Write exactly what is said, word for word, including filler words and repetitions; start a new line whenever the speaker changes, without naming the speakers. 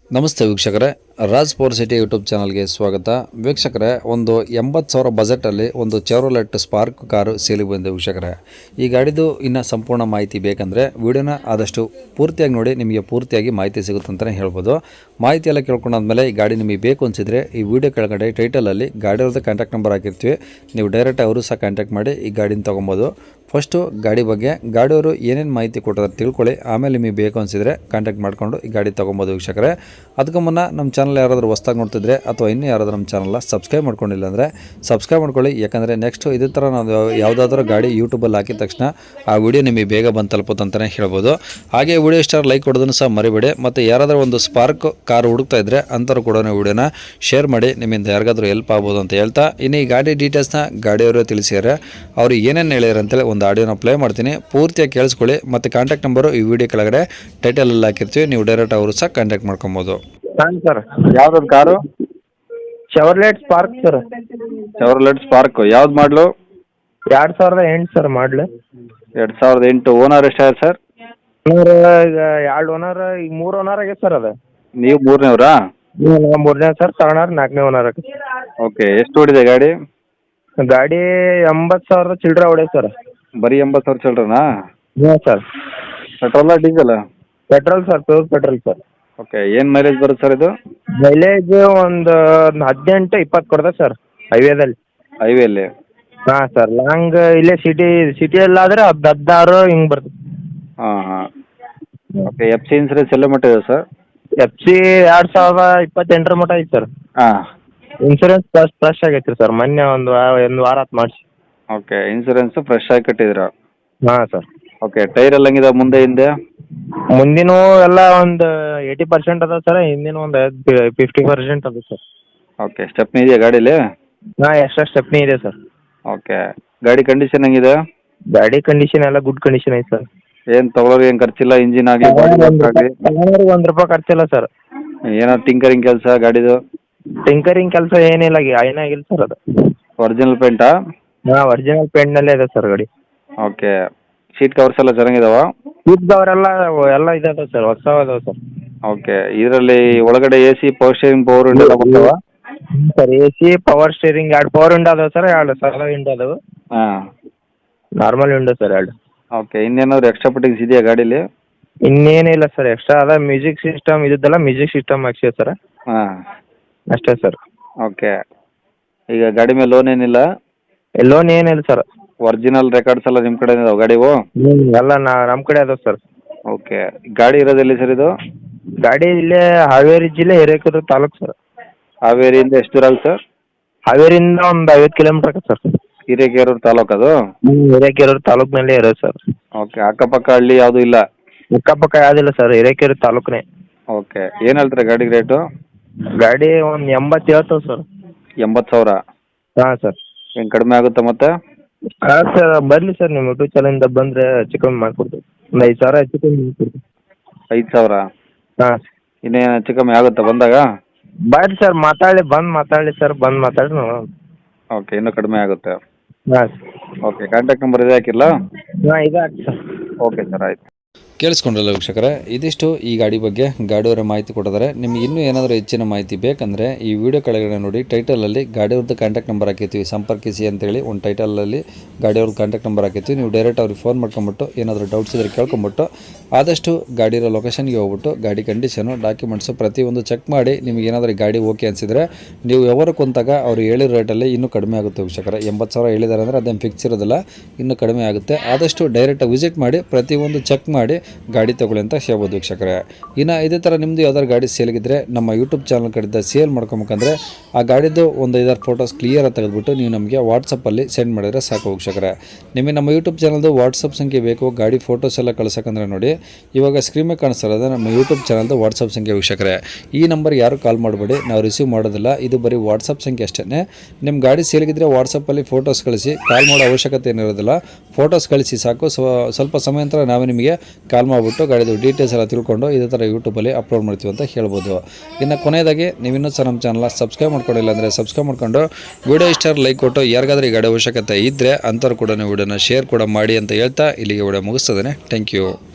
ನಮಸ್ತೆ ವೀಕ್ಷಕರೇ, Raj power city YouTube ಚಾನಲ್ಗೆ ಸ್ವಾಗತ. ವೀಕ್ಷಕರೇ, ಒಂದು ಎಂಬತ್ತು ಸಾವಿರ ಬಜೆಟಲ್ಲಿ ಒಂದು ಚೆವ್ರೋಲೆಟ್ ಸ್ಪಾರ್ಕ್ ಕಾರು ಸೇಲಿಗೆ ಬಂದಿದೆ ವೀಕ್ಷಕರೇ. ಈ ಗಾಡಿದು ಇನ್ನು ಸಂಪೂರ್ಣ ಮಾಹಿತಿ ಬೇಕಂದರೆ ವಿಡಿಯೋನ ಆದಷ್ಟು ಪೂರ್ತಿಯಾಗಿ ನೋಡಿ, ನಿಮಗೆ ಪೂರ್ತಿಯಾಗಿ ಮಾಹಿತಿ ಸಿಗುತ್ತೆ ಅಂತಲೇ ಹೇಳ್ಬೋದು. ಮಾಹಿತಿ ಎಲ್ಲ ಕೇಳ್ಕೊಂಡಾದ್ಮೇಲೆ ಈ ಗಾಡಿ ನಿಮಗೆ ಬೇಕು ಅನಿಸಿದರೆ ಈ ವಿಡಿಯೋ ಕೆಳಗಡೆ ಟೈಟಲಲ್ಲಿ ಗಾಡಿಯವ್ರದ್ದು ಕಾಂಟ್ಯಾಕ್ಟ್ ನಂಬರ್ ಹಾಕಿರ್ತೀವಿ. ನೀವು ಡೈರೆಕ್ಟ್ ಅವರು ಸಹ ಕಾಂಟ್ಯಾಕ್ಟ್ ಮಾಡಿ ಈ ಗಾಡಿನ ತೊಗೊಬೋದು. ಫಸ್ಟು ಗಾಡಿ ಬಗ್ಗೆ ಗಾಡಿಯವರು ಏನೇನು ಮಾಹಿತಿ ಕೊಟ್ಟಿದ್ದಾರೆ ತಿಳ್ಕೊಳ್ಳಿ, ಆಮೇಲೆ ನಿಮಗೆ ಬೇಕು ಅನಿಸಿದರೆ ಕಾಂಟ್ಯಾಕ್ಟ್ ಮಾಡಿಕೊಂಡು ಈ ಗಾಡಿ ತೊಗೊಬೋದು ವೀಕ್ಷಕರೇ. ಅದಕ್ಕೂ ಮುನ್ನ ನಮ್ಮ ಚಾನಲ್ ಯಾರಾದರೂ ಹೊಸ್ದಾಗಿ ನೋಡ್ತಿದ್ರೆ ಅಥವಾ ಇನ್ನೂ ಯಾರಾದರೂ ನಮ್ಮ ಚಾನಲ್ನ ಸಬ್ಸ್ಕ್ರೈಬ್ ಮಾಡ್ಕೊಂಡಿಲ್ಲ ಅಂದರೆ ಸಬ್ಸ್ಕ್ರೈಬ್ ಮಾಡ್ಕೊಳ್ಳಿ. ಯಾಕಂದರೆ ನೆಕ್ಸ್ಟು ಇದೇ ಥರ ನಾವು ಯಾವುದಾದ್ರೂ ಗಾಡಿ ಯೂಟ್ಯೂಬಲ್ಲಿ ಹಾಕಿದ ತಕ್ಷಣ ಆ ವಿಡಿಯೋ ನಿಮಗೆ ಬೇಗ ಬಂದು ತಲುಪುತ್ತೆ ಅಂತಲೇ ಹೇಳ್ಬೋದು. ಹಾಗೆ ವಿಡಿಯೋ ಇಷ್ಟ ಲೈಕ್ ಕೊಡೋದನ್ನು ಸಹ ಮರಿಬೇಡಿ. ಮತ್ತು ಯಾರಾದರೂ ಒಂದು ಸ್ಪಾರ್ಕ್ ಕಾರು ಹುಡುಕ್ತಾ ಇದ್ದರೆ ಅಂಥವ್ರು ಕೂಡ ವಿಡಿಯೋನ ಶೇರ್ ಮಾಡಿ, ನಿಮ್ಮಿಂದ ಯಾರಿಗಾದ್ರೂ ಹೆಲ್ಪ್ ಆಗ್ಬೋದು ಅಂತ ಹೇಳ್ತಾ, ಇನ್ನು ಈ ಗಾಡಿ ಡೀಟೇಲ್ಸ್ನ ಗಾಡಿಯವರು ತಿಳಿಸಿದ್ದಾರೆ. ಅವರು ಏನೇನು ಹೇಳ್ಯಾರ ಅಂತೇಳಿ ಒಂದು ಆಡಿಯೋನ ಪ್ಲೇ ಮಾಡ್ತೀನಿ, ಪೂರ್ತಿಯಾಗಿ ಕೇಳಿಸ್ಕೊಳ್ಳಿ. ಮತ್ತು ಕಾಂಟ್ಯಾಕ್ಟ್ ನಂಬರು ಈ ವಿಡಿಯೋ ಕೆಳಗಡೆ ಟೈಟಲಲ್ಲಿ ಹಾಕಿರ್ತೀವಿ, ನೀವು ಡೈರೆಕ್ಟ್ ಅವರು ಸಹ ಕಾಂಟ್ಯಾಕ್ಟ್ ಮಾಡ್ಕೊಬೋದು.
ಹಾಂ ಸರ್,
ಯಾವ್ದು car?
Chevrolet spark sir.
Chevrolet spark ಯಾವ್ದು ಮಾಡಲು?
ಎರಡು ಸಾವಿರದ ಎಂಟು ಸರ್ ಮಾಡಲು.
ಎರಡು ಸಾವಿರದ ಎಂಟು. ಓನರ್ ಎಷ್ಟಾಗಿದೆ ಸರ್?
ಓನರ್ ಈಗ ಎರಡು ಓನರ್, ಈಗ ಮೂರು ಓನರ್ ಆಗೈತೆ ಸರ್ ಅದು.
ನೀವು ಮೂರನೇವ್ರಾ?
ನಾವು ಮೂರನೇ ಸರ್, ತಗೊಳೋರು ನಾಲ್ಕನೇ ಓನರ್ ಆಗೈತೆ.
ಓಕೆ, ಎಷ್ಟು ಓಡಿದೆ ಗಾಡಿ?
ಗಾಡಿ ಎಂಬತ್ತು ಸಾವಿರದ ಚಿಲ್ಲರೆ ಹೊಡೆ ಸರ್.
ಬರೀ ಎಂಬತ್ತು ಸಾವಿರ ಚಿಲ್ಡ್ರನಾ?
ಹಾಂ ಸರ್.
ಪೆಟ್ರೋಲ diesel?
Petrol sir, pure petrol sir.
Okay, ಏನು ಮೈಲೇಜ್ ಬರುತ್ತೆ ಸರ್ ಇದು?
ಮೈಲೇಜ್ ಒಂದು ಹದಿನೆಂಟು ಇಪ್ಪತ್ತು ಕೊಡ್ತದೆ ಸರ್ ಹೈವೇದಲ್ಲಿ.
ಹೈವೇಲಿ?
ಹಾಂ ಸರ್, ಲಾಂಗ್ ಇಲ್ಲೇ ಸಿಟಿ ಸಿಟಿಯಲ್ಲಾದರೆ ಹದ್ದು ಹದಿನಾರು ಹಿಂಗೆ ಬರ್ತದೆ.
ಹಾಂ ಹಾಂ. ಓಕೆ, ಎಫ್ ಸಿ ಇನ್ಸೂರೆನ್ಸ್ ಎಲ್ಲ ಮಟ್ಟಿದೆ ಸರ್?
ಎಫ್ ಸಿ ಎರಡು ಸಾವಿರದ ಇಪ್ಪತ್ತೆಂಟರ ಮಟ್ಟ ಐತೆ ಸರ್.
ಹಾಂ.
ಇನ್ಸೂರೆನ್ಸ್ ಫ್ರೆಶ್ ಫ್ರೆಶ್ ಆಗೈತೆ ರೀ ಸರ್, ಮೊನ್ನೆ ಒಂದು ವಾರ ಒಂದು ವಾರ ಆತು ಮಾಡಿಸಿ.
ಓಕೆ, ಇನ್ಸೂರೆನ್ಸು ಫ್ರೆಶ್ ಆಗಿ ಕಟ್ಟಿದ್ದೀರಾ?
ಹಾಂ ಸರ್.
ಓಕೆ, ಟೈರ್ ಎಲ್ಲ ಹೆಂಗಿದೆ ಮುಂದೆ ಹಿಂದೆ?
ಮುಂದಿನ ಎಲ್ಲ ಒಂದು ಏಯ್ಟಿ ಪರ್ಸೆಂಟ್ ಅದಾವೆ ಸರ್, ಹಿಂದಿನ ಒಂದು ಫಿಫ್ಟಿ ಪರ್ಸೆಂಟ್ ಅದ ಸರ್.
ಓಕೆ, ಸ್ಟೆಪ್ನಿ ಇದೆಯಾ ಗಾಡೀಲಿ?
ಹಾಂ, ಎಕ್ಸ್ಟ್ರಾ ಸ್ಟೆಪ್ನಿ ಇದೆ ಸರ್.
ಓಕೆ, ಗಾಡಿ ಕಂಡೀಷನ್ ಹೆಂಗಿದೆ?
ಗಾಡಿ ಕಂಡೀಷನ್ ಎಲ್ಲ ಗುಡ್ ಕಂಡೀಷನ್ ಐತೆ ಸರ್.
ಏನು ತೊಗೊಳೋರು ಏನು ಖರ್ಚಿಲ್ಲ? ಇಂಜಿನ್ ಆಗಲಿ ಬಾಡಿ ವರ್ಕ್ ಆಗಲಿ
ಒಂದು ರೂಪಾಯಿ ಖರ್ಚಿಲ್ಲ ಸರ್.
ಏನಾದ್ರು ಟಿಂಕರಿಂಗ್ ಕೆಲಸ ಗಾಡಿದು?
ಟಿಂಕರಿಂಗ್ ಕೆಲಸ ಏನಿಲ್ಲ, ಏನಾಗಿಲ್ಲ ಸರ್ ಅದು.
ಒರಿಜಿನಲ್ ಪೇಂಟಾ?
ಹಾಂ, ಒರಿಜಿನಲ್ ಪೇಂಟ್ನಲ್ಲೇ ಇದೆ ಸರ್ ಗಾಡಿ.
ಓಕೆ, ಸೀಟ್ ಕವರ್ಸ್ ಎಲ್ಲ ಚೆನ್ನಾಗಿದಾವ?
ಸೀಟ್ ಅವರೆಲ್ಲ ಎಲ್ಲ ಇದಾವೆ ಸರ್, ಹೊಸ ಅದಾವೆ ಸರ್.
ಓಕೆ, ಇದರಲ್ಲಿ ಒಳಗಡೆ A C power steering power window ಎಲ್ಲ ಬರ್ತಾವ?
Sir, A C power steering ಎರಡು ಪವರ್ ವಿಂಡೋ ಅದಾವೆ ಸರ್, ಎರಡು ಸರಳ ವಿಂಡೋ ಅದಾವೆ.
ಹಾಂ.
ನಾರ್ಮಲ್ ವಿಂಡೋ ಸರ್ ಎರಡು.
ಓಕೆ, ಇನ್ನೇನಾದ್ರು ಎಕ್ಸ್ಟ್ರಾ ಫಿಟ್ಟಿಂಗ್ಸ್ ಇದೆಯಾ ಗಾಡೀಲಿ?
ಇನ್ನೇನಿಲ್ಲ ಸರ್, ಎಕ್ಸ್ಟ್ರಾ ಅದ ಮ್ಯೂಸಿಕ್ ಸಿಸ್ಟಮ್ ಇದ್ದದ್ದೆಲ್ಲ ಮ್ಯೂಸಿಕ್ ಸಿಸ್ಟಮ್ ಹಾಕ್ಸಿದೆ ಸರ್.
ಹಾಂ
ಅಷ್ಟೇ ಸರ್.
ಓಕೆ, ಈಗ ಗಾಡಿ ಮೇಲೆ ಲೋನ್ ಏನಿಲ್ಲ?
ಲೋನ್ ಏನಿಲ್ಲ ಸರ್.
ಒರಿಜಿನಲ್ ರೆಕಾರ್ಡ್ಸ್ ಎಲ್ಲ ನಿಮ್ಮ ಕಡೆ ಇದಾವೆ ಗಾಡಿವು?
ಹ್ಞೂ, ಎಲ್ಲ ನಾ ನಮ್ಮ ಕಡೆ ಅದಾವೆ ಸರ್.
ಓಕೆ, ಗಾಡಿ ಇರೋದೆಲ್ಲಿ ಸರ್ ಇದು?
ಗಾಡಿ ಇಲ್ಲೇ ಹಾವೇರಿ ಜಿಲ್ಲೆ ಹಿರೇಕೆರೂರು ತಾಲೂಕು ಸರ್.
ಹಾವೇರಿಯಿಂದ ಎಷ್ಟು ದೂರ ಆಗುತ್ತೆ ಸರ್?
ಹಾವೇರಿಯಿಂದ ಒಂದು ಐವತ್ತು ಕಿಲೋಮೀಟ್ರ್ ಆಗುತ್ತೆ ಸರ್.
ಹಿರೇಕೆರೂರು ತಾಲೂಕು ಅದು?
ಹ್ಞೂ, ಹಿರೇಕೆರೂರು ತಾಲೂಕಿನಲ್ಲೇ ಇರೋದು ಸರ್.
ಓಕೆ, ಅಕ್ಕಪಕ್ಕ ಹಳ್ಳಿ ಯಾವುದೂ ಇಲ್ಲ?
ಅಕ್ಕಪಕ್ಕ ಯಾವುದಿಲ್ಲ ಸರ್, ಹಿರೇಕೆರೂರು ತಾಲೂಕನೇ.
ಓಕೆ, ಏನು ಹೇಳ್ತಾರೆ ಗಾಡಿಗೆ ರೇಟು?
ಗಾಡಿ ಒಂದು ಎಂಬತ್ತು ಹೇಳ್ತೇವೆ ಸರ್.
ಎಂಬತ್ತು ಸಾವಿರ?
ಹಾಂ ಸರ್.
ಏನು ಕಡಿಮೆ ಆಗುತ್ತಾ ಮತ್ತೆ?
ಹಾಂ ಸರ್, ಬರಲಿ ಸರ್, ನಿಮ್ಮ ಯೂಟ್ಯೂಬ್ ಚಾನಲಿಂದ ಬಂದರೆ ಹೆಚ್ಚು ಕಮ್ಮಿ ಮಾಡಿಕೊಡ್ತೀವಿ. ಒಂದು ಐದು ಸಾವಿರ ಹೆಚ್ಚು ಕಮ್ಮಿ ಮಾಡಿಕೊಡ್ತೀವಿ.
ಐದು ಸಾವಿರ? ಹಾಂ. ಇನ್ನೇನು ಹೆಚ್ಚು ಕಮ್ಮಿ ಆಗುತ್ತಾ ಬಂದಾಗ?
ಬರ್ರಿ ಸರ್, ಮಾತಾಡಿ ಬಂದು ಮಾತಾಡಿ ಸರ್, ಬಂದು ಮಾತಾಡಿ ನಾವು.
ಓಕೆ, ಇನ್ನೂ ಕಡಿಮೆ ಆಗುತ್ತೆ?
ಹಾಂ.
ಓಕೆ, ಕಾಂಟ್ಯಾಕ್ಟ್ ನಂಬರ್ ಇದೆ ಹಾಕಿಲ್ಲ?
ಹಾಂ, ಇದೆ ಹಾಕಿ ಸರ್.
ಓಕೆ ಸರ್, ಆಯಿತು. ಕೇಳಿಸ್ಕೊಂಡ್ರಲ್ಲ ವೀಕ್ಷಕರೇ, ಇದಿಷ್ಟು ಈ ಗಾಡಿ ಬಗ್ಗೆ ಗಾಡಿಯವರ ಮಾಹಿತಿ ಕೊಟ್ಟಿದ್ದಾರೆ. ನಿಮಗೆ ಇನ್ನೂ ಏನಾದರೂ ಹೆಚ್ಚಿನ ಮಾಹಿತಿ ಬೇಕಂದರೆ ಈ ವಿಡಿಯೋ ಕೆಳಗಡೆ ನೋಡಿ ಟೈಟಲಲ್ಲಿ ಗಾಡಿಯವ್ರದ್ದು ಕಾಂಟ್ಯಾಕ್ಟ್ ನಂಬರ್ ಹಾಕಿರ್ತೀವಿ, ಸಂಪರ್ಕಿಸಿ ಅಂತೇಳಿ ಒಂದು ಟೈಟಲಲ್ಲಿ ಗಾಡಿಯವ್ರದ್ದು ಕಾಂಟ್ಯಾಕ್ಟ್ ನಂಬರ್ ಹಾಕಿರ್ತೀವಿ. ನೀವು ಡೈರೆಕ್ಟ್ ಅವ್ರಿಗೆ ಫೋನ್ ಮಾಡ್ಕೊಂಬಿಟ್ಟು ಏನಾದರೂ ಡೌಟ್ಸ್ ಇದ್ದರೆ ಕೇಳ್ಕೊಂಬಿಟ್ಟು ಆದಷ್ಟು ಗಾಡಿ ಇರೋ ಲೊಕೇಶನ್ಗೆ ಹೋಗ್ಬಿಟ್ಟು ಗಾಡಿ ಕಂಡೀಷನು ಡಾಕ್ಯುಮೆಂಟ್ಸು ಪ್ರತಿಯೊಂದು ಚೆಕ್ ಮಾಡಿ ನಿಮಗೆ ಏನಾದರೂ ಗಾಡಿ ಓಕೆ ಅನಿಸಿದರೆ ನೀವು ವ್ಯವಹಾರ ಕುಂತಾಗ ಅವ್ರು ಹೇಳಿರೋ ರೇಟಲ್ಲಿ ಇನ್ನೂ ಕಡಿಮೆ ಆಗುತ್ತೆ ವೀಕ್ಷಕರೇ. ಎಂಬತ್ತು ಸಾವಿರ ಹೇಳಿದ್ದಾರೆ ಅಂದರೆ ಅದೇನು ಫಿಕ್ಸ್ ಇರೋದಿಲ್ಲ, ಇನ್ನೂ ಕಡಿಮೆ ಆಗುತ್ತೆ. ಆದಷ್ಟು ಡೈರೆಕ್ಟಾಗಿ ವಿಸಿಟ್ ಮಾಡಿ ಪ್ರತಿಯೊಂದು ಚೆಕ್ ಮಾಡಿ ಗಾಡಿ ತಗೊಳ್ಳಿ ಅಂತ ಹೇಳ್ಬೋದು ವೀಕ್ಷಕರೇ. ಇನ್ನು ಇದೇ ಥರ ನಿಮ್ಮದು ಯಾವ್ದಾದ್ರು ಗಾಡಿ ಸೇಲ್ಗಿದ್ರೆ ನಮ್ಮ ಯೂಟ್ಯೂಬ್ ಚಾನಲ್ ಕಡೆಯಿಂದ ಸೇಲ್ ಮಾಡ್ಕೊಬೇಕಂದ್ರೆ ಆ ಗಾಡಿದು ಒಂದು ಐದಾರು ಫೋಟೋಸ್ ಕ್ಲಿಯರಾಗಿ ತೆಗೆದುಬಿಟ್ಟು ನೀವು ನಮಗೆ ವಾಟ್ಸಪ್ಪಲ್ಲಿ ಸೆಂಡ್ ಮಾಡಿದರೆ ಸಾಕು ವೀಕ್ಷಕರೇ. ನಿಮಗೆ ನಮ್ಮ ಯೂಟ್ಯೂಬ್ ಚಾನಲ್ದು ವಾಟ್ಸಪ್ ಸಂಖ್ಯೆ ಬೇಕು, ಗಾಡಿ ಫೋಟೋಸ್ ಎಲ್ಲ ಕಳ್ಸೋಕ್ಕಂದ್ರೆ ನೋಡಿ ಇವಾಗ ಸ್ಕ್ರೀನ್ ಮೇಲೆ ಕಾಣಿಸ್ತಿರೋದು ನಮ್ಮ ಯೂಟ್ಯೂಬ್ ಚಾನಲ್ದು ವಾಟ್ಸಪ್ ಸಂಖ್ಯೆ ವೀಕ್ಷಕರೇ. ಈ ನಂಬರ್ ಯಾರು ಕಾಲ್ ಮಾಡಬೇಡಿ, ನಾವು ರಿಸೀವ್ ಮಾಡೋದಿಲ್ಲ, ಇದು ಬರೀ ವಾಟ್ಸಪ್ ಸಂಖ್ಯೆ ಅಷ್ಟೇ. ನಿಮ್ಮ ಗಾಡಿ ಸೇಲ್ಗಿದ್ರೆ ವಾಟ್ಸಪ್ಪಲ್ಲಿ ಫೋಟೋಸ್ ಕಳಿಸಿ, ಕಾಲ್ ಮಾಡೋ ಅವಶ್ಯಕತೆ ಏನಿರೋದಿಲ್ಲ, ಫೋಟೋಸ್ ಕಳಿಸಿ ಸಾಕು. ಸ್ವಲ್ಪ ಸಮಯ ನಂತರ ನಾವೇ ನಿಮಗೆ ಕಾಲ್ ಮಾಡಿಬಿಟ್ಟು ಗಾಡಿದು ಡೀಟೇಲ್ಸ್ ಎಲ್ಲ ತಿಳ್ಕೊಂಡು ಇದೇ ಥರ ಯೂಟ್ಯೂಬಲ್ಲಿ ಅಪ್ಲೋಡ್ ಮಾಡ್ತೀವಿ ಅಂತ ಹೇಳ್ಬೋದು. ಇನ್ನು ಕೊನೆಯದಾಗಿ ನೀವು ಇನ್ನೂ ಸಹ ನಮ್ಮ ಚಾನಲ್ನ ಸಬ್ಸ್ಕ್ರೈಬ್ ಮಾಡ್ಕೊಂಡಿಲ್ಲ ಅಂದರೆ ಸಬ್ಸ್ಕ್ರೈಬ್ ಮಾಡ್ಕೊಂಡು ವಿಡಿಯೋ ಇಷ್ಟ ಲೈಕ್ ಕೊಟ್ಟು ಯಾರಿಗಾದ್ರೂ ಈ ಗಾಡಿ ಅವಶ್ಯಕತೆ ಇದ್ದರೆ ಅಂಥವ್ರು ಕೂಡ ವಿಡಿಯೋನ ಶೇರ್ ಕೂಡ ಮಾಡಿ ಅಂತ ಹೇಳ್ತಾ ಇಲ್ಲಿಗೆ ವಿಡಿಯೋ ಮುಗಿಸ್ತದೆ. Thank you.